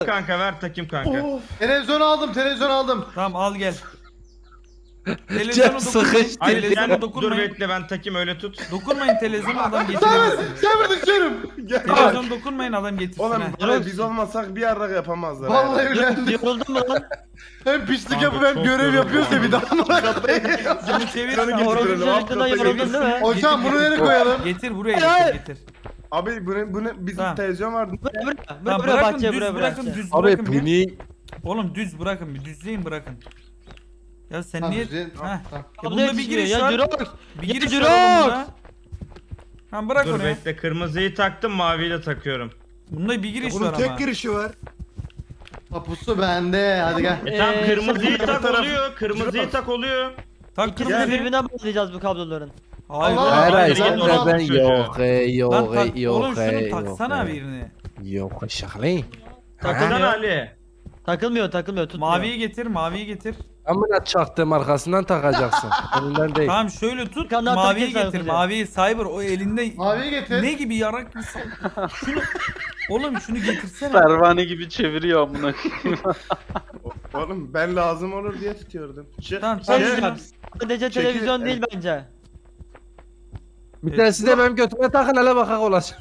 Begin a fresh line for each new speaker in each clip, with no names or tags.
Kanka ver takayım kanka.
Televizyon aldım.
Tamam al gel.
Cem
Televizyona dokunmayın.
sıkıştı.
Hayır
Televizyona
sen dur
dokunmayın.
bekle ben takayım öyle tut.
Dokunmayın televizyona adam getiremez.
Sen düşüyorum.
Televizyon dokunmayın adam getirsin.
Oğlum
ha.
buraya biz olmasak bir yarrak yapamazlar.
Vallahi öyle.
Yoruldun mu lan?
Hem pislik
Kanka,
yapıp hem
çok
görev
yoruldum
yapıyoruz ya bir daha.
Bunu çevir.
Orası çocukluğundan yoruldun değil mi?
Hocam bunu nereye koyalım?
Getir buraya getir.
Abi bunu bizim
Tamam.
televizyon vardı.
Buraya
Tamam
buraya
bırakın
bahçeye
düz
buraya
bırakın
bırak.
düz
Abi
bırakın
bu
bir.
niye?
Oğlum düz bırakın bir düzleyin bırakın. Ya sen
Tamam,
niye?
düzleyin.
Heh.
Tamam.
Bunda bir giriş var.
Jirox.
Bir
Ya
giriş
Jirox.
var bunda. Tamam bırak
Dur
oraya.
bekle kırmızıyı taktım maviyi de takıyorum.
Bunda bir giriş
Bunun
var
tek
ama.
girişi var.
Tapusu bende. Hadi gel.
Tamam
Ee,
kırmızıyı
sen-
tak oluyor. Kırmızıyı tak oluyor.
Tak
İkisini
kırmızı.
birbirine bağlayacağız bu kabloların.
Hayır.
Allah
Her
Allah.
ay
Hayır,
sen
hayır,
ben
çocuğu.
yok yok
Lan tak,
yok
oğlum şunu taksana
yok.
birini.
Yok şahli.
Taksana Ali.
Takılmıyor tutmuyor.
Maviyi getir, maviyi getir.
Amına çaktım arkasından takacaksın. Önünden değil.
Tamam şöyle tut,
Kandan
maviyi
Türkiye
getir,
sadece.
maviyi Cyber o elinde
Maviyi getir.
ne gibi yarak bir şunu oğlum şunu getirsene.
Pervane gibi çeviriyor amına.
Oğlum ben lazım olur diye tutuyordum.
Tamam
Şey
tak
diyeceğim.
şunu.
Sadece televizyon değil bence.
Bir tanesi de benim götüme takın hele bakak olacak.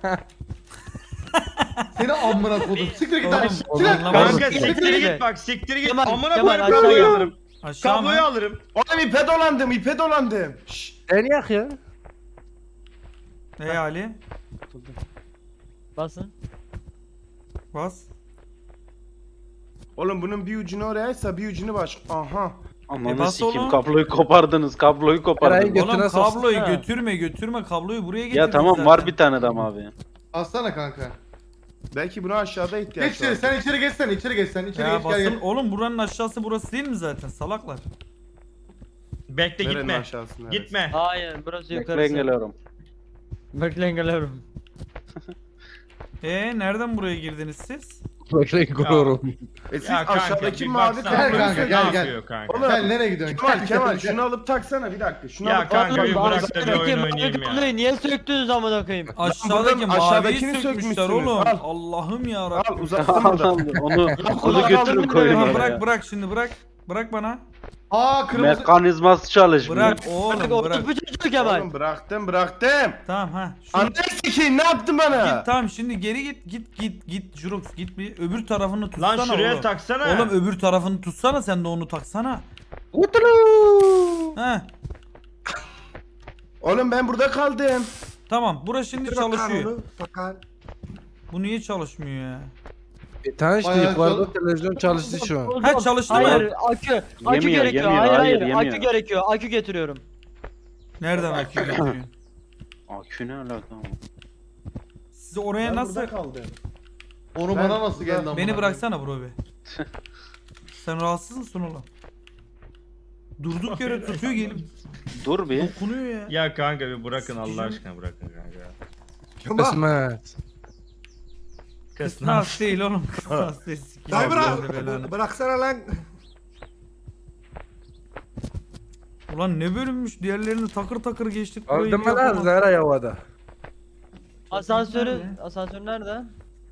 Seni amına kodum. Siktir git
Oğlum,
lan.
oğlum,
Siktir.
anlamadım.
Kanka
Siktir
siktir
git.
git bak siktir git.
Kemal,
Amına
Kemal,
koyayım
aşağı
kabloyu
gel.
alırım.
Aşağı
Kabloyu
mı?
alırım.
Oğlum ipe dolandım. Şşş.
Deniyak ya.
Ey Ali
Basın.
bas.
Oğlum bunun bir ucunu orayaysa bir ucunu baş. Aha.
Ananı
bas
sikim
oğlum.
kabloyu kopardınız. Kabloyu
Eray'ın
kopardınız.
götüne
Oğlum
soksana.
kabloyu
Ha.
götürme kabloyu buraya getir.
Ya tamam var bir tane daha abi.
Alsana kanka.
Belki buna aşağıda
Geç
ihtiyaç
içeri.
var.
Sen içeri geçsen. İçeri geçsen. İçeri
Ya
geç gel
basın
gel.
oğlum buranın aşağısı burası değil mi zaten salaklar?
Bekle
Nerenin
gitme.
aşağısı neresi?
Gitme.
Hayır burası
Bekleyin
yukarısı.
geliyorum.
Bekleyin geliyorum.
Nereden buraya girdiniz siz?
Bekleyin kuruyorum.
Siz
Ya kanka
aşağıdaki
bir
mavi
baksana.
Gel
kabloyu
kanka,
Ne
gel, gel.
yapıyor kanka?
Oğlum,
Gel nereye gidiyorsun?
Kemal şunu alıp taksana bir dakika. Şunu
Ya
alıp
kanka bir
Oğlum,
bırak da bir
aşağıdaki
oyun
mavi
oynayayım ya.
kabloyu niye söktünüz amına koyayım?
Aşağıdaki
buradan
maviyi
aşağıdakini
sökmüşler
sökmüşsünüz.
oğlum.
Al.
Allah'ım ya
Al uzattım burada.
Onu götürün koyun
Tamam
oraya.
bırak şimdi bırak. Bırak bana.
Aa kırmızı.
Mekanizması çalışmıyor.
Bırak
Artık
oğlum bırak.
orospu çocuğu Kemal.
Oğlum bıraktım.
Tamam ha. Şunu
Anne sikeyim ne yaptın bana?
git tamam şimdi geri git Jurox git bir öbür tarafını tutsana
Lan şuraya
oğlum.
taksana.
Oğlum öbür tarafını tutsana sen de onu taksana. He
Oğlum ben burada kaldım.
tamam burası şimdi
Bir bakar
çalışıyor.
onu, bakar.
Bu niye çalışmıyor ya?
Bir tane işte
Bayağı
yukarıda
zor.
televizyon çalıştı şu an.
Ha, çalıştı mı?
Hayır akü. Akü
Yemiyor,
gerekiyor.
yemiyor,
Hayır
hayır,
hayır.
yemiyor.
Akü gerekiyor. Akü getiriyorum.
Nereden akü getiriyorsun?
Akü ne alaka?
Siz oraya
Ben
nasıl?
burada kaldım.
Onu
Ben-
bana nasıl geldi amına?
Beni bıraksana bro be. Sen rahatsız mısın oğlum? Durduk yere tutuyor gelip
Dur bir.
dokunuyor ya.
Ya kanka bir bırakın Allah aşkına bırakın kanka.
Kemal.
Kısmet.
Kısnas değil oğlum. Kısnas değil.
Dayı
Sikeyim böyle belanı.
bırak. Bıraksana lan.
Ulan ne bölünmüş diğerlerini takır takır geçtik burayı.
Aldın
bir
mı lan
yapamadık.
Zara havada?
Asansör nerede?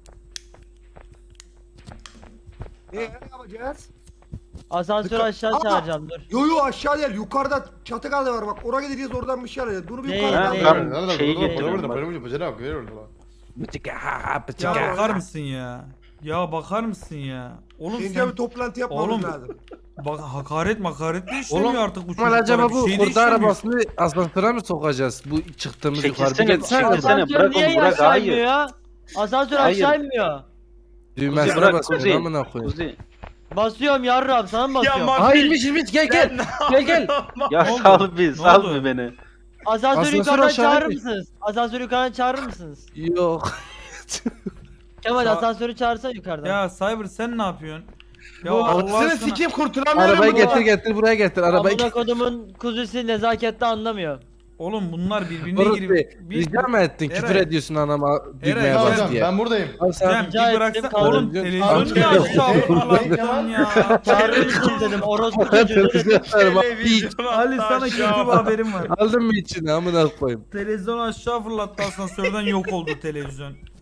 Ne yapacağız?
Asansörü aşağı
Aa!
çağıracağım dur.
Yo aşağı değil. Yukarıda çatı kaldı var bak. Oraya gideceğiz oradan bir şey alacağız. Bunu bir
Değil,
yukarıdan
değil.
alalım.
Ben şeyi getiriyorum bak.
Bıçık ha bıçık
Ya
ha.
bakar mısın ya? Ya bakar mısın ya? Oğlum
Önce
sen
bir toplantı yapmamız
Oğlum,
lazım.
bak hakaret de işlemiyor
Oğlum,
artık bu
Kemal
çocuklara.
acaba
Bir
bu
şey de
kurda
işlemiyor.
arabasını asansöre mi sokacağız? Bu çıktığımız yukarı bir
Çekilsene,
geçsene.
çekilsene.
mi?
Asansör
bırak
niye
onu, bırak,
aşağı
hayır.
inmiyor ya? Asansör
Hayır.
aşağı inmiyor.
Düğmesine
bırak,
basıyorum
Kuzey.
amına koyayım.
Kuzi.
Basıyorum yarrağım sana mı
Ya
basıyorum?
Mafik.
Ha inmiş gel gel. Gel gel.
Ya
Ne oldu?
sal bir
Ne
sal
oldu?
bir beni.
Asansörü
Asansör
yukarıdan
aşağı
çağırır
inmiş.
mısınız? Asansörü yukarıdan çağırır mısınız?
Yok.
Kemal
Sa-
asansörü çağırsa yukarıdan.
Ya Cyber sen ne yapıyorsun? Ya
Allah
Allah
aşkına.
aşkına.
Sikeyim kurtulamıyorum
Arabayı
buradan.
getir buraya getir arabayı.
Amına kodumun kuzusu nezakette anlamıyor.
Oğlum bunlar birbirine
Orası
girip
rica mı ettin? Küfür
Eray.
ediyorsun anama düğmeye
Eray,
bas
Hocam
diye.
ben buradayım.
Al sen.
Cem
Rica
bir bıraksan
ettim,
oğlum
kaldım.
televizyonu niye
Amca
aşağı
yok.
fırlattın ya?
Çağırır mısınız dedim orospu çocuğu dedim.
Televizyon
Ali sana kötü bir haberim var.
Aldın mı içine amına koyayım?
Televizyonu aşağı fırlattı asansörden yok oldu televizyon.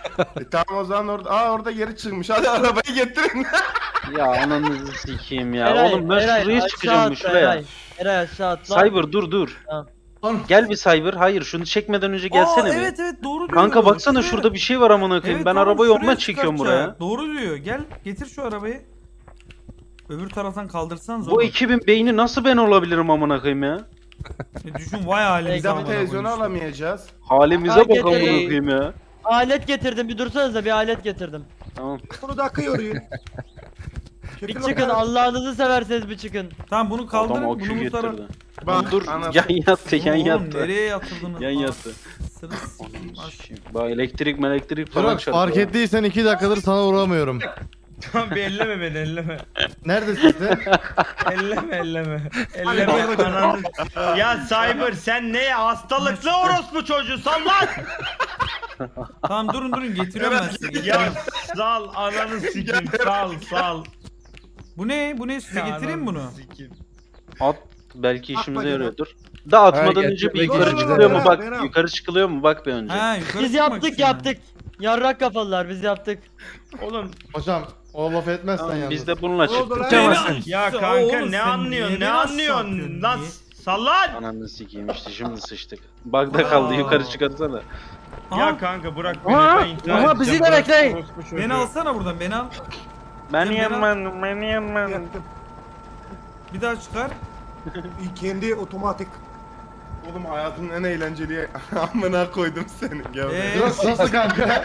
Tamam o zaman orada geri çıkmış. Hadi arabayı getirin.
Ya ananızı sikeyim ya.
Eray,
Oğlum ben
Eray,
şuraya
aşağı
çıkacağım
atla,
şuraya.
Eray aşağı atla.
Cyber dur.
Lan,
Gel bir Cyber. Hayır şunu çekmeden önce gelsene
Aa,
bir.
evet doğru diyor.
Kanka baksana
Şuraya-
şurada bir şey var amına koyayım.
Evet,
Ben
tamam,
arabayı
şuraya
ondan çekiyorum
çıkartacak.
buraya.
Doğru diyor. Gel getir şu arabayı. Öbür taraftan kaldırsanız
Bu ekibin beyni nasıl ben olabilirim amına koyayım ya?
Düşün vay halimize
Biz de bu
amına
televizyonu
koyayım işte.
alamayacağız.
Halimize
Fark
bak amına
etmeyin.
koyayım ya.
Alet getirdim bir dursanıza bir alet getirdim.
Tamam.
Bunu da akıyor yürüyün.
Bir çıkın Allah'ınızı severseniz bir çıkın.
Tamam bunu kaldırın.
Adam
Bunu
akü
bu tarafa.
getirdi.
Bak
Dur
anası.
yan yattı yan
Oğlum,
yattı.
nereye yatırdınız?
Yan
Aa,
yattı.
sırı sikeyim, aç.
Bak elektrik falan
Jirox fark
çarpıyor.
ettiysen 2 dakikadır sana uğramıyorum.
Tamam bir elleme beni elleme.
Neredesin sen?
Elleme. Elleme ananı. Ya Cyber sen ne hastalıklı orospu çocuğusun lan.
Tamam durun getiriyorum ben size.
Ya
Getiriyorum.
sal ananı sikeyim sal.
Bu ne? Bu ne? Size
Ya
getireyim
ananı
bunu.
sikeyim.
At belki işimize
Atma
yarıyordur. Da atmadan
Ha,
önce bir
getir,
yukarı
getir.
çıkılıyor mu
Berat,
bak.
Berat.
Yukarı çıkılıyor mu bak bir önce.
Ha, yukarı
Biz
çıkmak
yaptık
için ha.
yaptık. Yarrak kafalılar biz yaptık.
Oğlum
Hocam o laf etmezsen
Tamam,
yalnız.
biz de bununla
Ne oldu
çıktık.
lan?
Beni-
ya
Oğlum,
kanka
sen
ne anlıyorsun
niye
ne
beni aşağı
anlıyorsun
atıyorsun,
lan
niye?
sal lan.
Ananı sikeyim işte şimdi sıçtık. Bug'da kaldı
Aa.
yukarı çıkarsana.
Ya
Aha,
kanka bırak beni
Aha,
ben intihar
aha, bizi
edeceğim,
de
bırak
bekleyin.
orospu çocuğu.
beni alsana buradan beni al.
Ben
Sen
yemem.
Yaktım.
Bir daha çıkar.
Kendi otomatik.
Oğlum hayatımın en eğlenceli amına koydum seni. Gel.
Jirox nasıl kanka?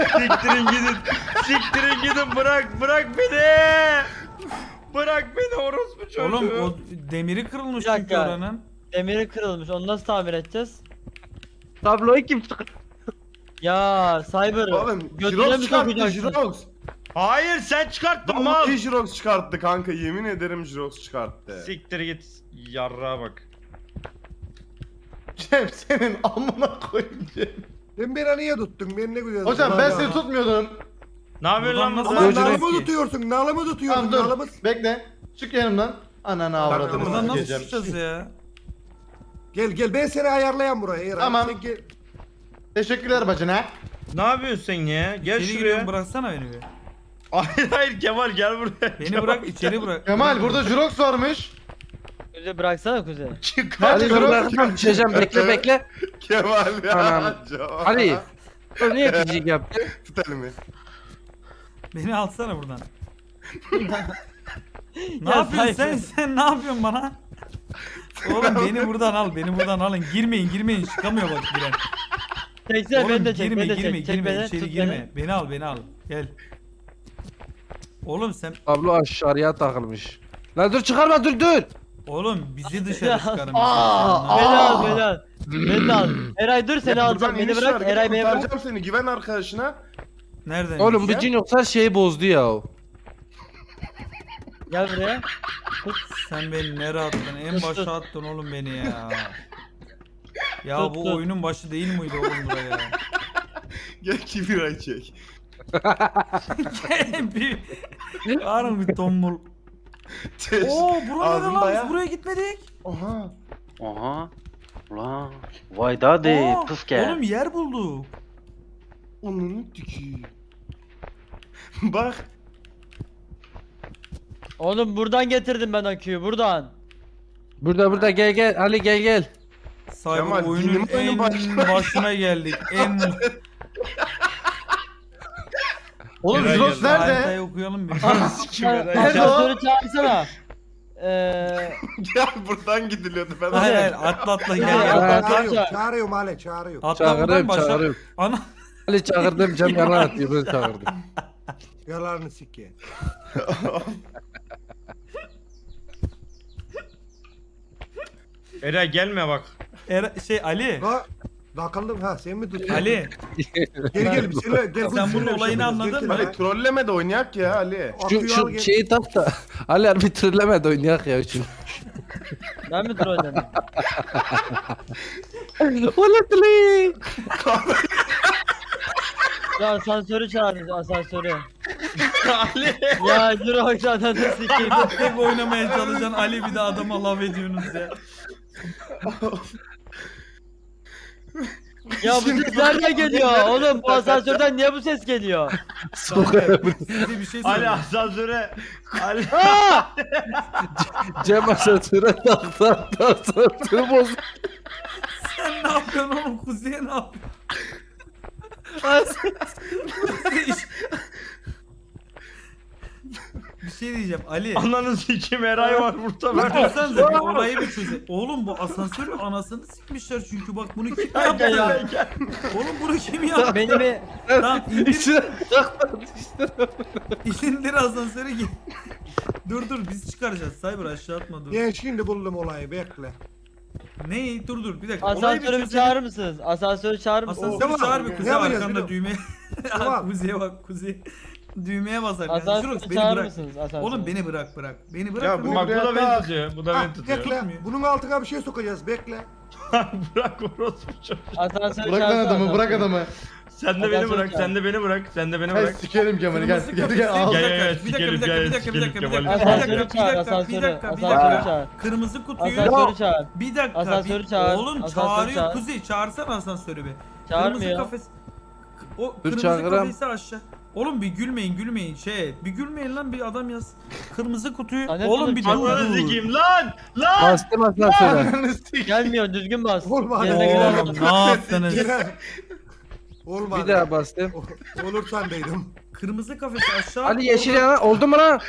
Siktirin gidin bırak beni. Bırak beni orospu çocuğu.
Oğlum o demiri kırılmış
Bir
çünkü
dakika.
oranın.
Demiri kırılmış onu nasıl tamir edeceğiz?
Tabloyu kim çıkar?
Ya Cyber
Oğlum
götüne
Jirox
mi
çıkarttı
sokacaksın?
Jirox.
Hayır sen çıkarttın mal.
Vallahi Jirox çıkarttı kanka yemin ederim Jirox çıkarttı.
Siktir git yarrağa bak.
Cem senin amına koyayım Cem.
Sen beni niye tuttun? Ben ne güzel.
Hocam ben seni tutmuyordum.
Ne yapıyorsun lan
Buradan
burada?
Ama
nasıl-
nalımı tutuyorsun. Nalımı tutuyorsun.
Tamam dur.
Nalımı.
Bekle. Çık yanımdan. Ananı avradını
Buradan nasıl
sikeceğim.
çıkacağız ya?
Gel ben seni ayarlayan buraya. Eray.
Tamam.
Sen gel.
Teşekkürler bacına.
Ne yapıyorsun sen ya? Gel
İçeri
şuraya.
giriyorum bıraksana beni bir.
Hayır Kemal gel buraya.
Beni bırak içeri bırak.
Kemal burada Jirox varmış.
Kuze bıraksana Kuze.
Çıkar.
Hadi
Hadi dur
Jirox.
bırakmam düşeceğim bekle.
Kemal ya.
Anam. Ali. Dur niye gıcık yaptın?
Tut elimi.
Beni alsana buradan. Ne
Ya
yapıyorsun
Cyber.
sen ne yapıyorsun bana? Oğlum beni buradan al beni buradan alın. Girmeyin çıkamıyor bak giren.
Çeksene
Oğlum
beni de çek
girme
beni de
girme
çek. Çek
girme
beni
içeri
tut
girme. Beni al gel. Oğlum sen
Tablo aşağıya takılmış. Lan dur çıkarma dur.
oğlum bizi dışarı çıkarın.
Beni al beni al. Beni de al. Eray dur seni
Ya
alacağım.
buradan
Beni
iniş
bırak.
var,
Eray beni bırak.
kurtaracağım seni güven arkadaşına.
Nereden?
Oğlum bu
Ya.
cin yoksa şeyi bozdu ya.
Gel buraya.
Sen beni nereye attın? En
Tut,
başa
tut.
attın oğlum beni ya. Ya
Tut,
bu
tut.
oyunun başı değil miydi oğlum buraya?
Gel kibir çek.
bir Harun bir tombul.
Çeş.
Oo buraya
Ağzını
lan
daya.
biz buraya gitmedik.
Oha.
Oha. Ulan. Vay daha de
Aa,
pıf gel.
Oğlum yer bulduk.
Onun tükü. Bak.
Oğlum buradan getirdim ben aküyü buradan.
Burada gel Ali gel.
Cyber
Kemal,
oyunun
dinleyin
en
başına.
başına geldik. En
Oğlum
Eray
Jirox
geldi.
nerede?
haritayı okuyalım bir.
Nerede o?
Asansörü çağırsana.
Gel buradan gidiliyordu ben.
Hayır atla
Ya,
gel.
ya.
Çağırıyor. Çağırıyor Male çağırıyor.
Atla buradan başla.
Çağırıyorum.
Ana.
Ali çağırdım Cem yalan atıyor ben çağırdım.
Yalarını sikke.
Eray gelme bak.
Ali.
Ha, takıldım ha sen mi tutuyorsun?
Ali.
Gel bir söyle. Gel,
Sen
söyle
bunun
bir şey
olayını
yapacağız.
anladın
Gel,
mı?
gel.
Ali trolleme de oynayak ya Ali.
Aküyü al,
Şu
gel.
şeyi tak da Ali harbi trilleme de oynayak ya şimdi.
Ben mi trolledim?
Ulan
Ya asansörü çağırın asansörü.
Ali.
Ya Jirox ananı sikeyim.
Tek oynamaya çalışan Ali bir de adama laf ediyorsunuz ya.
Ya bu ses nereden geliyor? Oğlum bu asansörden niye bu ses geliyor?
Size bir şey
Ali
söyleyeyim.
asansöre. Ali.
Cem asansöre taktı asansörü bozdu.
Sen ne yapıyorsun oğlum? Kuzey'e ne yapıyorsun? Bir şey diyeceğim Ali.
Ananı sikim Eray var burada.
Baksanıza bir olayı bir çöze. Oğlum bu asansörün anasını sikmişler çünkü bak bunu kim yaptı ya? Oğlum bunu kim yaptı?
Beni bir
Tamam indir,
İçine taktı işte.
indir asansöre git. Dur biz çıkaracağız. Cyber aşağı atma dur.
Ben şimdi buldum olayı bekle.
Ne? Dur bir dakika. Olayı bir
asansörü bir
çözelim.
çağırır mısınız? Asansörü çağırır mısınız?
Asansörü
Tamam.
çağır bir
Ne
kuzey
yapacağız
arkanda
biliyor
düğmeye.
Tamam.
Kuzeye bak kuzey. Düğmeye basar. Yani. Jurox
Asansörü
beni
çağırır
bırak.
mısınız? Asansörü.
Oğlum beni bırak. Beni bırak.
Ya bu-
Bak bu da
Buraya
beni
bak.
tutuyor. Bu da
Ah,
beni tutuyor.
bekle.
Tutmuyor.
Bunun altına bir şey sokacağız bekle.
Bırak orospu çocuğu.
Asansörü
Bırak lan
çağırsana
adamı bırak
asansörü.
adamı.
Sen de beni bırak. Sen de beni bırak. Sen de beni
Hey
bırak.
sikerim Kemal'i gel.
Kırmızı
Gel
kafesi-
gel al.
Bir dakika, bir dakika, bir dakika, bir dakika, bir dakika, bir dakika, bir dakika,
Asansörü
bir
çağır,
dakika, bir
asansörü.
dakika, bir
Asansörü
dakika.
çağır.
Kırmızı kutuyu.
Asansörü çağır.
Bir dakika.
Asansörü
bir-
çağır,
Oğlum
asansörü
çağırıyor
çağır.
Kuzey. Çağırsana asansörü bir.
Çağırmıyor.
Kırmızı kafes. O
Dur,
kırmızı
çağırırım.
kafesi aşağı. Oğlum bir gülmeyin bir gülmeyin lan bir adam yaz. Kırmızı kutuyu.
Lanet
Oğlum
olsun,
bir
Ananı
dur.
sikeyim lan. Lan.
Bastım asansöre.
Gelmiyor düzgün bas.
Olmadı.
Yerine gider.
Oğlum ne yaptınız?
Olmadı.
Bir daha bastım.
Olur sandıydım.
Kırmızı kafesi aşağı.
Ali yeşil yana oldu mu lan?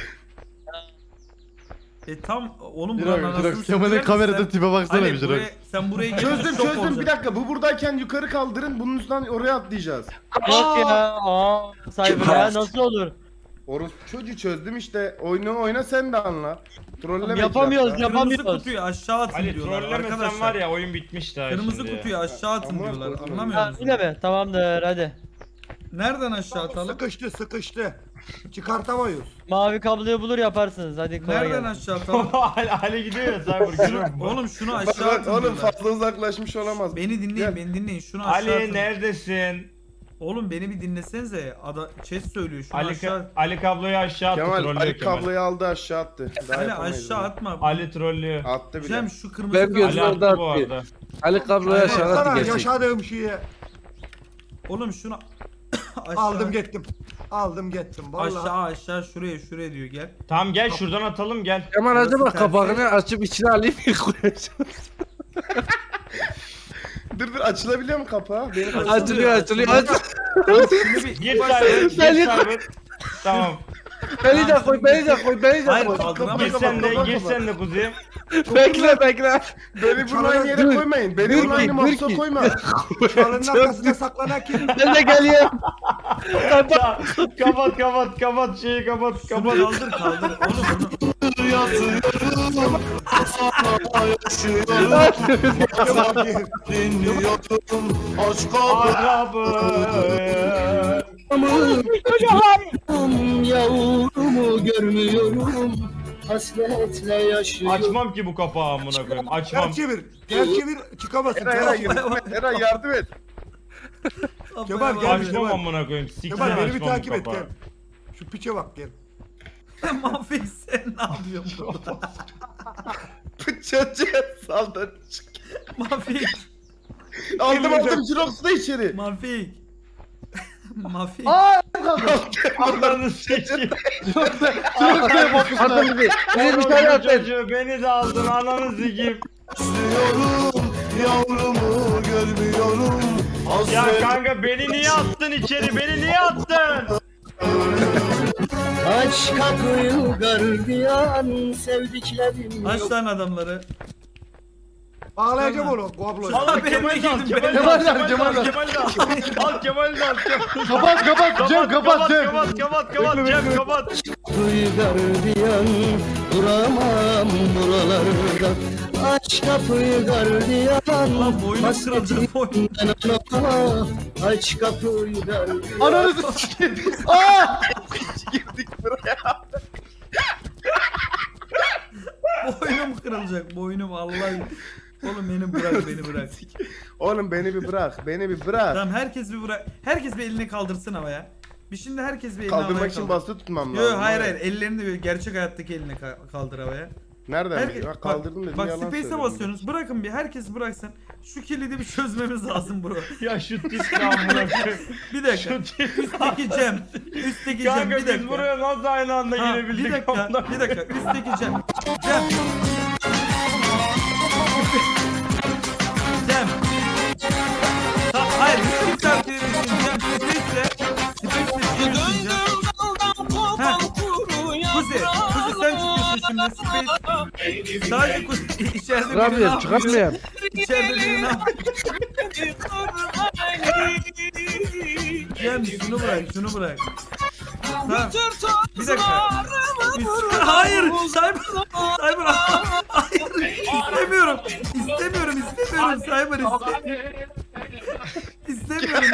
Tam oğlum buranın
Jirox,
anasını
Jirox. Kemal'in
siktiler
kamerada
misin?
tipe baksana
Ali
bir Jirox.
sen buraya gelince
Çözdüm
şok
çözdüm bir
olacaksın.
dakika. Bu buradayken yukarı kaldırın. Bunun üstünden oraya atlayacağız.
Yok ya. Cyber ya nasıl olur?
Orası çocuğu çözdüm işte. Oyunu oyna sen de anla. Trolleme iki
Yapamıyoruz,
dakika.
Kırmızı
yapamıyoruz.
kutuyu aşağı atın
Ali
diyorlar
trollemesen
arkadaşlar.
var ya oyun bitmiş daha
Kırmızı
şimdi.
kutuyu aşağı atın
Ama
diyorlar.
korkma.
Anlamıyor
Ha,
musun?
öyle mi? Tamamdır hadi.
Nereden aşağı atalım?
Sıkıştı. Çıkartamayız.
Mavi kabloyu bulur yaparsınız. Hadi kolay
Nereden
gelsin.
aşağı atalım?
Ali gidiyor ya Cyber görüyor musun?
Oğlum şunu
Bak
aşağı
bak
atın
oğlum
diyorlar.
fazla uzaklaşmış olamaz.
Beni dinleyin,
Gel.
beni dinleyin. Şunu aşağı
Ali
atın.
neredesin?
Oğlum beni bir dinlesenize. Chat söylüyor. Şunu aşağı.
Ali kabloyu aşağı attı.
Kemal
trollüyor
Ali
Kemal.
kabloyu aldı aşağı attı. Daha
Ali
yapamayız
aşağı
bunu.
atma.
Ali trollüyor.
Attı bile.
Cem şu kırmızı
Ben
kablo-
gözüm-
Ali
orada
attı bu
attı.
arada.
Ali kabloyu aşağı attı
Sana
gerçek.
yaşadığım şeyi
Oğlum şunu aşağı.
aldım gittim. Aldım gittim vallahi.
Aşağı şuraya diyor gel.
Tamam gel şuradan atalım gel.
Kemal acaba
Burası
kapağını açıp içine alayım mı koyacağım?
Dur açılabiliyor mu kapağı? Benim
Açılıyor.
Şunu bir
Gir Cyber. Gir
Ali-
Cyber. Tamam.
Beni de koy, beni de koy, beni de
Hayır
koy.
kaldıramayız.
Gir sen de
kapat,
gir
kapat.
sen de kuzeyim.
Bekle.
Beni bunun aynı yere
Dur.
koymayın. Beni
Dur
bunun
ki,
aynı
dur
mapsa
ki.
koyma.
Çalının arkasına saklanan kim?
Ben de geliyorum.
Kapat şeyi kapat.
Şunu kaldır. Oğlum bunu.
Yavrumu görmüyorum, hasretle yaşıyorum.
Açmam ki bu kapağı amına koyayım. Açmam.
Ters çevir çıkamasın.
Eray
Ters
yardım et. Eray yardım et.
Kemal, gel.
Açmam amına koyayım. Siksen
Kemal beni bir
açmam bu
takip et
kapağı.
gel. Şu piçe bak gel.
Mahfik sen ne yapıyorsun burada?
Çocuğa saldı.
Mahfik.
Aldım Jirox'u da içeri.
Mahfik. Mahfik.
Ananı sikeyim.
Atın bir. Bizi bir tane
Orospu
atın.
çocuğu beni de aldın ananı sikeyim.
Yavrumu görmüyorum,
Ya kanka beni niye attın içeri? Beni niye attın?
aç kapıyı gardiyan, sevdiklerim
Aç
yok.
lan adamları.
Bağlayacağım onu kabloyu.
Al
Ben
Kemal'i de al.
girdim,
Kemal'i
ben-
de al.
Kemal'i de al.
Kemal'i de al. Al Kemal'i de al.
Kapat Cem kapat Cem.
Kapat Cem kapat.
Kapıyı gardiyan, duramam buralarda. Aç kapıyı gardiyan,
Lan boynum kırılacak boynum.
anama. Aç kapıyı gardiyan.
Ananı sikeyim.
Boynum kırılacak boynum Allah. Oğlum beni bırak.
Oğlum beni bir bırak. Beni bir bırak.
Tamam herkes bir bırak. Herkes bir elini kaldırsın havaya. Bir şimdi herkes bir elini havaya
Kaldırmak için
kaldır.
basılı tutmam
Yo
lazım.
hayır ellerini de böyle gerçek hayattaki elini kaldır havaya.
Nereden? Bak kaldırdım dedim
bak
yalan
space'e
söyledim.
basıyorsunuz. Bırakın bir herkes bıraksın. Şu kilidi bir çözmemiz lazım bro.
Ya şu tip amına koyayım.
Bir dakika.
Şu tip.
Üstteki Cem. Üstteki Cem
Kanka
bir
biz
dakika.
buraya nasıl aynı anda
Ha,
girebildik?
bir dakika.
amına
Bir dakika. Üstteki Cem. Cem. Cem. Hayır. Kim takdir etsin? Cem. Space'le. Space'le Cem. Ha. Kuzi sen çıkıyorsun şimdi Space. Sadece Kuzi içeride biri ne
Çıkamıyorum
yapıyor?
çıkamıyorum.
İçeride biri ne yapıyor? Cem şunu bırak. Tamam. Bir dakika. Hayır. Cyber. Hayır. İstemiyorum. İstemiyorum. Cyber İstemiyorum.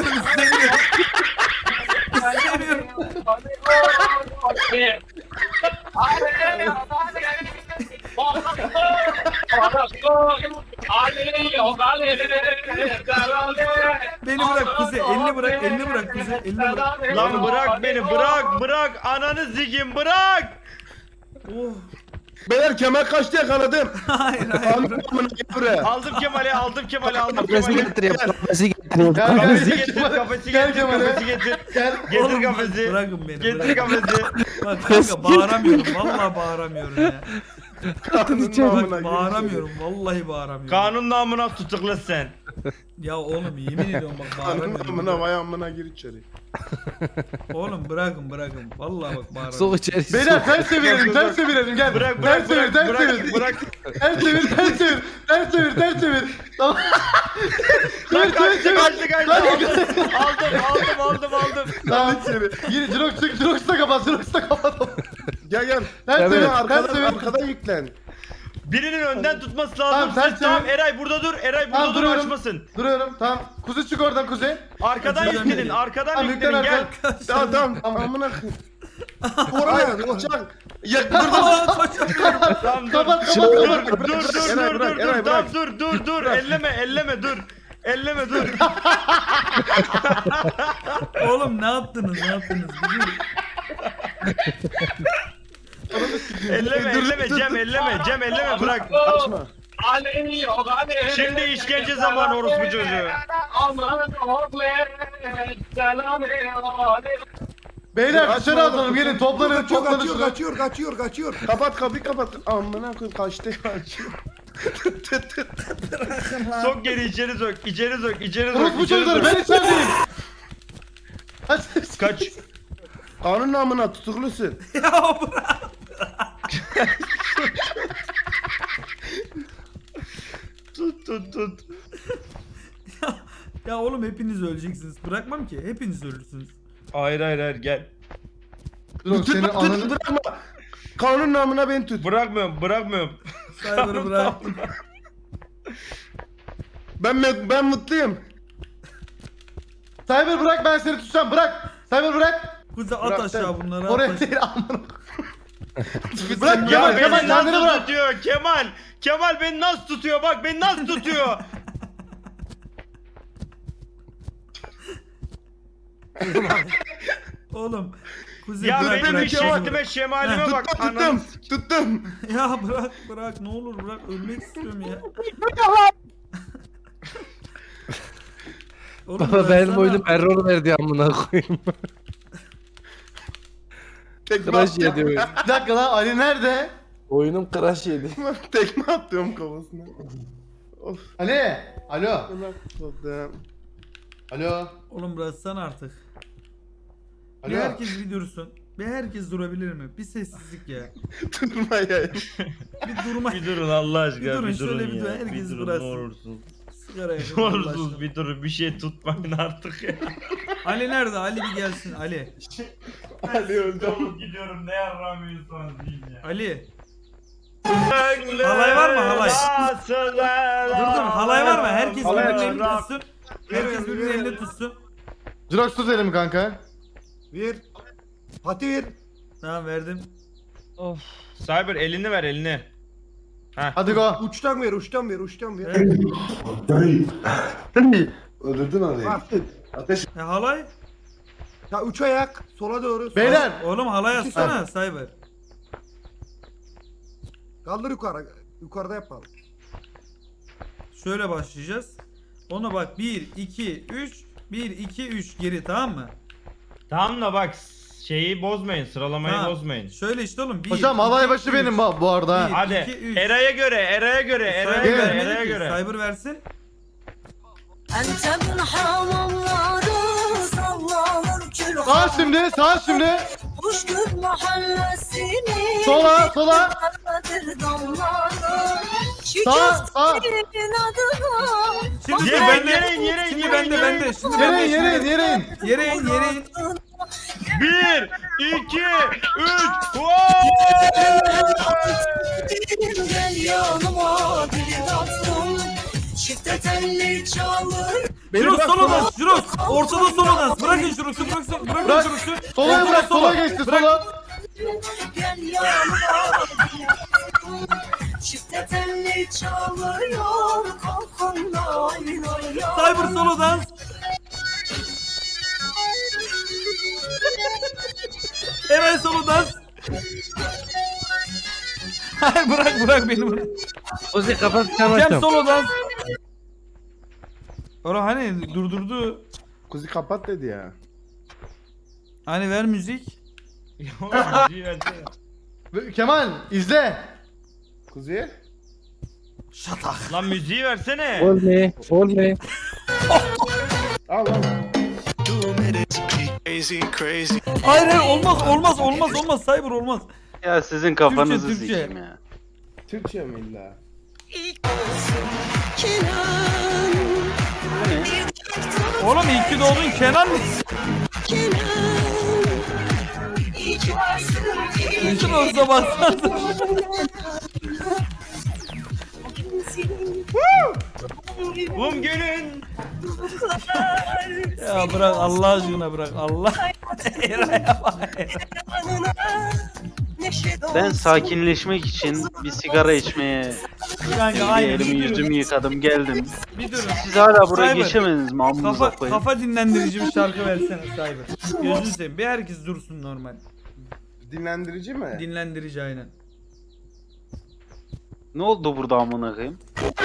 Beni bırak Kuzey. Elini bırak Kuzey. Elini bırak.
Lan bırak beni, bırak. Ananı zigim, bırak.
Oh.
Beyler kemer kaçtı yakaladım.
Hayır.
Amına buraya.
Aldım Kemal'i.
Kafesi getireyim. Kafesi getireyim.
Gel
Kafesi
gel
getir,
Kemal.
kafesi
Gel
getir,
Kemal'e.
kafesi getir.
Gel.
Getir
Oğlum,
kafesi.
bırakın beni.
Getir kafesi.
Bak kanka bağıramıyorum. Vallahi bağıramıyorum ya.
Amına
Bak bağıramıyorum. Vallahi bağıramıyorum.
Kanun namına tutukla sen.
Ya oğlum yemin ediyorum bak
Amına
bağıramıyorum.
vay amına gir içeri.
Oğlum bırakın. Vallahi bak bağıramıyorum.
Sok içeri.
Beyler
sok.
ters çevirelim gel.
Bırak.
Ters çevir.
Bırak.
Ters çevir. Tamam.
Lan
Çevir.
kaçtı. Aldım.
Tamam. Gir Jirox da kapat.
Gel.
Ters
Sen
çevir.
arkadan yüklen.
Birinin önden tutması
Tamam,
lazım.
sen
Siz tamam
çevir.
Eray burada dur.
Tamam, duruyorum.
Açmasın.
Duruyorum. Tamam. Kuzey çık oradan Kuzey.
Arkadan
Kaçırdım
yüklenin.
beni.
Arkadan
Tamam,
yüklenin
yüklen
gel.
Tamam. Amına koyayım. Oraya çak. Ya burada
Aa, kaçamıyorum.
Tamam dur.
Kapat.
Eray, bırak.
Dur. Elleme dur.
Oğlum ne yaptınız? Bir dur.
Elleme Cem elleme bırak.
açma.
Şimdi işkence zamanı orospu çocuğu.
Beyler dışarı atalım. Gelin toplanın.
Kaçıyor.
Kapat kapıyı kapat. Amına koyayım kaçtı.
Sok geri içeri sok.
Orospu çocukları ben içerideyim.
Kaç.
Kanun namına tutuklusun.
Ya bırak.
Tut.
Ya oğlum hepiniz öleceksiniz. Bırakmam ki. Hepiniz ölürsünüz.
Hayır gel.
Jirox senin ananı...
Bırakma. Kanun namına beni tut.
Bırakmıyorum.
Cyber'ı bıraktım.
Ben mutluyum.
Cyber bırak ben seni tutacağım. Bırak. Cyber bırak.
Kuzey at
Bıraktım.
aşağı bunları.
Oraya
At
değil amına.
Ya
Bırak Kemal
beni
kendini
nasıl
bırak.
tutuyor Kemal beni nasıl tutuyor bak beni nasıl tutuyor.
Oğlum. Kuzey
Ya
bırak,
benim
bırak.
şeklime şemalime bak anam.
Tuttum.
Ya bırak ne olur bırak ölmek istiyorum ya. Oğlum
Baba benim
bıraksana.
oyunum error verdi amına koyayım.
Tekme
Crash
atıyorum.
yedi oyun.
Bir dakika lan Ali nerede?
Oyunum crash yedi.
Tekme atıyorum kafasına. Of.
Ali. Alo.
Allah koydum.
Alo.
Oğlum bıraksana artık.
Alo.
Bir herkes bir dursun. Bir herkes durabilir mi? Bir sessizlik ya.
Durma ya.
Bir durma.
Bir durun Allah aşkına
Bir durun,
bir durun
şöyle bir
ya.
durun, herkes
Bir durun ne
bıraksın.
olursunuz.
Sigara yakın.
Ne
Allah
olursunuz
aşkına.
bir durun bir şey tutmayın artık ya.
Ali nerede? Ali bir gelsin. Ali.
Ali öldü.
Oğlum gidiyorum ne yaramıyorsunuz deyin ya.
Ali. Halay var mı, halay? Dur halay var mı? Herkes
Halay
birbirinin
var.
elini tutsun. Herkes birbirinin elini tutsun.
Jirox tut elimi kanka.
Ver. Pati ver.
Tamam verdim.
Cyber elini ver elini.
Hadi go.
Uçtan ver.
Öldürdün orayı.
Bak.
Ateş.
Halay?
Ya üç ayak. Sola doğru.
Beyler.
Oğlum halay atsana Cyber.
Kaldır yukarı. Yukarıda yapalım.
Şöyle başlayacağız. Ona bak 1 2 3 1 2 3 geri, tamam mı?
Tamam da bak şeyi bozmayın, sıralamayı
Tamam.
bozmayın.
Şöyle işte oğlum. 1
Hocam alay başı benim bu arada. ha.
Bir-
Hadi
2, 3.
Eray'a göre, Eray'a göre, Eray'a göre, Eray'a göre.
Cyber versin.
Antep'in hamamları sallanır kül
Sağ şimdi, sağ şimdi.
Kuşgül mahallesini
Sola, sola. Sağ, sağ.
Şimdi
Yere,
bende.
yere,
Şimdi
yere,
bende,
yere.
bende. Şimdi
Yere
bende.
in, yere in, yere in.
Yere in, yere in.
1, 2, 3,
Gel yanıma bir tatlım Çifte telli çalır
Jirox solo dans, Jirox. Ortada solo dans. Bırakın Jirox'u, bırakın
Bırak.
Jirox'u.
Sola
Ortada
bırak,
solo.
sola geçti,
Bırak.
sola.
Gel yanıma bir tatlım Çifte telli çalıyor Kalkın lay lay lay
Cyber solo dans. Eray solo dans. Hayır, bırak beni bırak.
Kuzi kapat
Cem
kapattım.
solo dans. Ora hani durdurdu.
Kuzi kapat dedi ya.
Hani ver müzik.
Kemal izle.
Kuzi?
Şatak.
Lan müziği versene.
Olme. Olme.
Al al.
Hayır olmaz Cyber olmaz.
Ya sizin kafanızı
Türkçe.
sikeyim ya.
Türkçe mi illa?
Oğlum iyi ki doğdun Kenan. Bütün olsa baksana.
Bum günün.
Ya bırak Allah aşkına, bırak Allah. Eray'a bak.
Ben sakinleşmek için bir sigara içmeye
Kanka
bir
aynen.
elimi yüzümü yıkadım geldim.
Bir durun.
Siz hala buraya
Cyber.
geçemediniz mi? Amınıza koyayım.
Kafa dinlendirici bir şarkı versene Cyber. Gözünü seveyim. Bir herkes dursun normal.
Dinlendirici mi?
Dinlendirici aynen.
Ne oldu burada amına koyayım?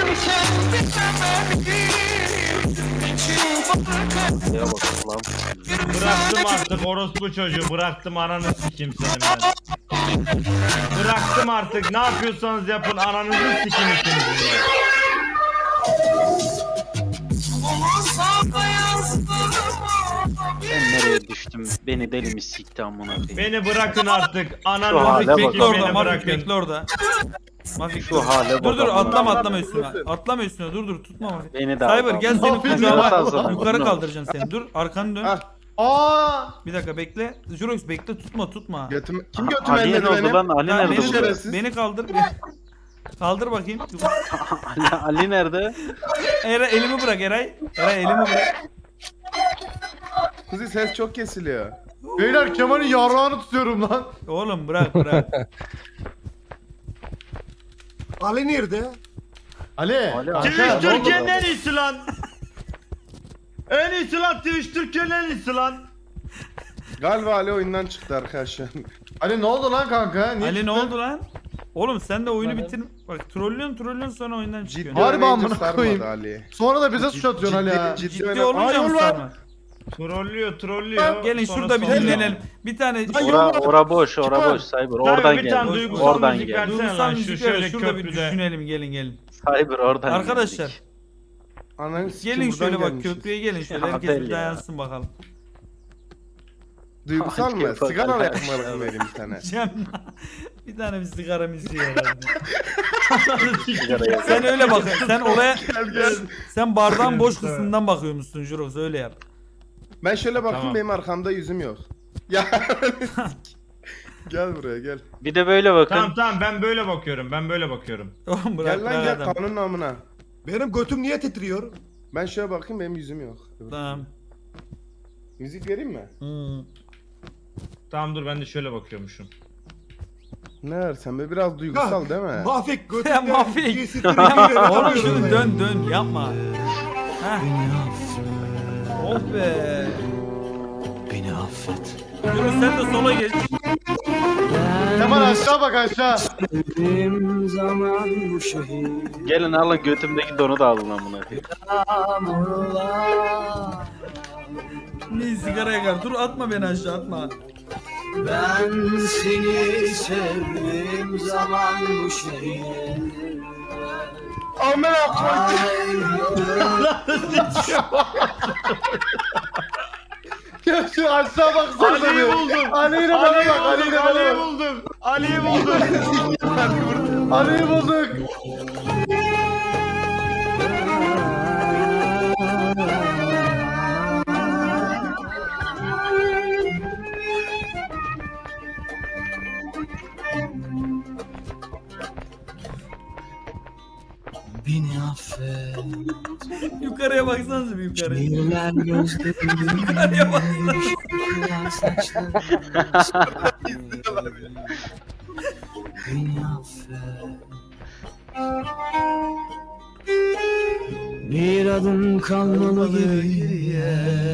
Ya bak lan.
Bıraktım artık orospu çocuğu, bıraktım ananı sikeyim senin ben. Bıraktım artık, ne yapıyorsanız yapın, ananızı sikeyim ikinizi ya.
Ben nereye düştüm? Beni deli mi sikti amına koyayım?
Beni bırakın artık,
Şu
ananızı
hale bak.
sikeyim,
Bekle orada,
beni
Mafik
bırakın.
bekle orada. Mafik
Şu hale
dur
bak.
atlama üstüne. Atlama üstüne, dur tutma Mafik.
Beni de
Cyber
al.
gel seni
Mafik
kucağıma
ya.
yukarı kaldıracağım seni. Dur arkanı dön.
Ah.
Aa!
Bir dakika bekle. Jirox bekle, tutma.
Götüm, kim götüme
Ali
elledi
ne oldu
benim?
lan? Ali
Ya
nerede
beni,
bu?
şerefsiz?
beni kaldır. Kaldır bakayım.
Ali nerede?
Eray elimi bırak Eray. Eray elimi bırak.
Kuzi ses çok kesiliyor.
Beyler Kemal'in yarrağını tutuyorum lan.
Oğlum bırak.
Ali nerede?
Ali.
Ali,
kanka,
Twitch
ne oldu
Türkiye'nin
lan?
en iyisi lan. En iyisi lan, Twitch Türkiye'nin en iyisi lan.
Galiba Ali oyundan çıktı arkadaşlar.
Ali ne oldu lan kanka? Niye
Ali ne
çıktın?
oldu lan? Oğlum sen de oyunu bitir. Bak trollüyorsun sonra oyundan
Ciddi
çıkıyorsun.
Harbi
oynayınca
amına
sarmadı
koyayım.
Ali.
Sonra da bize suç atıyorsun Ali ya.
Ciddi olunca mı sarma?
Trollüyor.
Gelin
Sonra
şurada bir
sonra-
dinlenelim. Bir tane
Ora boş Cyber. Oradan
bir tane
gel.
duygusal
Oradan
müzik
gel.
ver.
duygusal
lan, şu
müzik
şöyle
ver. Şurada bir
köprüde.
düşünelim, gelin.
Cyber oradan
Arkadaşlar
geldik.
Ananı sikeyim,
gelin
buradan
şöyle bak,
gelmişiz.
köprüye gelin şöyle,
Ya
herkes
Abel
bir
ya.
dayansın bakalım.
Duygusal mı?
Hadi
Sigara
bakalım.
yakmalık vereyim bir tane.
Cem bir tane bir sigara müziği herhalde.
Sigara yak.
Sen öyle bak. Sen oraya
Gel.
sen bardağın boş kısmından bakıyormuşsun Jurox, öyle yap.
Ben şöyle bakayım,
Tamam.
benim arkamda yüzüm yok. Ya. Gel buraya gel.
Bir de böyle bakın.
Tamam ben böyle bakıyorum.
Oğlum bırak
Gel lan gel
adam.
kanun namına.
Benim götüm niye titriyor?
Ben şöyle bakayım, benim yüzüm yok.
Tamam.
Müzik vereyim mi?
Tamam dur, ben de şöyle bakıyormuşum.
Ne versen be, biraz duygusal değil mi?
Mafik
Ya
götümde.
Mafik.
giysileri
Oğlum
giyiyorum
şunu
ben.
dön yapma. Heh. Oh be.
Beni affet.
Jurox sen de sola geç.
Kemal var aşağı bak aşağı.
Sevdiğim zaman bu şehir
Gelin alın götümdeki donu da alın amına koyayım.
yağmurlar.
Ne sigara yakar. Dur atma beni aşağı atma.
Ben seni sevdiğim zaman bu şehir
Amına koydum.
Ya şu aşağı baksana.
Ali'yi
bir.
buldum.
Ali'yle bana bak. Ali'yle
Ali'yi
bana bak.
buldum. Ali'yi buldum.
Ali'yi bulduk.
beni affet.
Yukarıya baksanıza bir yukarı.
Şiirler gözlerim,
Yukarıya baksanıza.
şiirler saçlarım. Beni affet. Bir adım kalmalı geriye.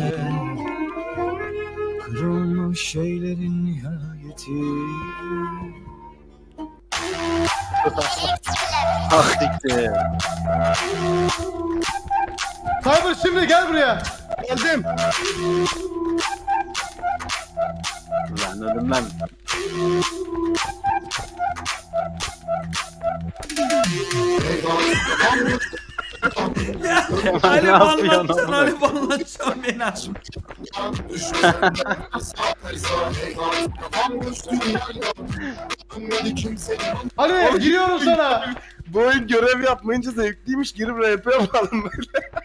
Kırılmış şeylerin nihayeti.
Ah siktir.
Cyber şimdi gel buraya.
Geldim.
Lan ölüm lan.
Ali
Ne yapıyorsun
banlatacaksın,
oğlum?
Ali banlatacaksın beni aç.
Ali giriyorum sana.
Bu oyun görev yapmayınca zevkliymiş. Girip RP yapalım böyle.